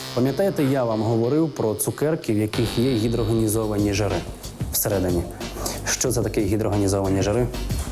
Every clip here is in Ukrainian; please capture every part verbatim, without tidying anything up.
Пам'ятаєте, я вам говорив про цукерки, в яких є гідрогенізовані жири всередині. Що це таке гідрогенізовані жири?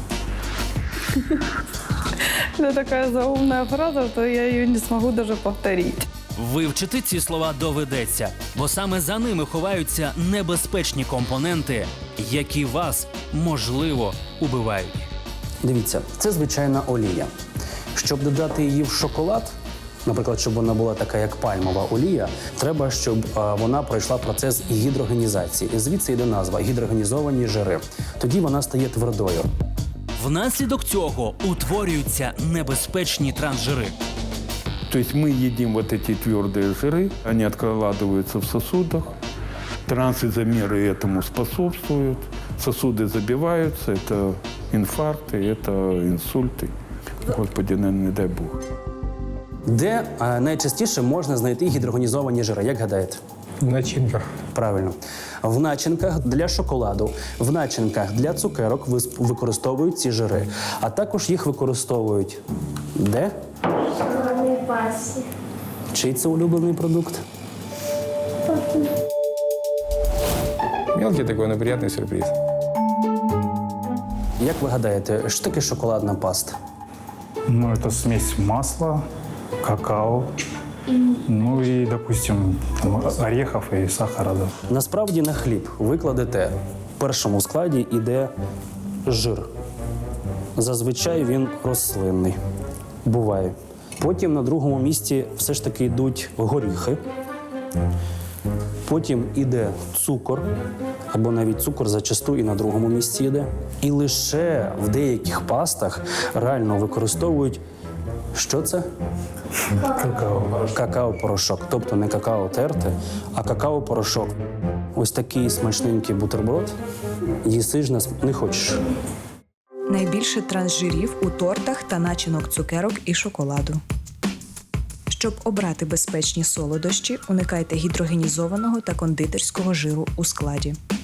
Это такая заумная фраза, что я ее не смогу даже повторить. Вивчити ці слова доведеться, бо саме за ними ховаються небезпечні компоненти, які вас, можливо, убивають. Дивіться, це звичайна олія. Щоб додати її в шоколад, наприклад, щоб вона була така, як пальмова олія, треба, щоб а, вона пройшла процес гідрогенізації. І звідси йде назва – гідрогенізовані жири. Тоді вона стає твердою. Внаслідок цього утворюються небезпечні трансжири. То есть мы едим вот эти твердые жиры, они откладываются в сосудах, трансизомеры этому способствуют, сосуды забиваются, это инфаркты, это инсульты. Господи, не дай Бог. Де а, найчастіше можна знайти гідрогенізовані жири, як гадаєте? В начинках. Правильно. В начинках для шоколаду, в начинках для цукерок вис- використовують ці жири. А також їх використовують де? Шоколадной пасте. Чий це улюблений продукт? Мелкий такой, но приятный сюрприз. Як ви гадаєте, що таке шоколадна паста? Ну, это смесь масла, какао, ну и, допустим, там, орехов и сахара. Да. Насправді на хліб ви кладете в першому складі іде жир. Зазвичай він рослинний. Буває. Потім на другому місці все ж таки йдуть горіхи. Потім іде цукор, або навіть цукор зачасту і на другому місці йде. І лише в деяких пастах реально використовують, що це? Какао. Какао-порошок. Тобто не какао терте, а какао-порошок. Ось такий смачненький бутерброд. Їси ж нас не хочеш. Найбільше трансжирів у тортах та начинок цукерок і шоколаду. Щоб обрати безпечні солодощі, уникайте гідрогенізованого та кондитерського жиру у складі.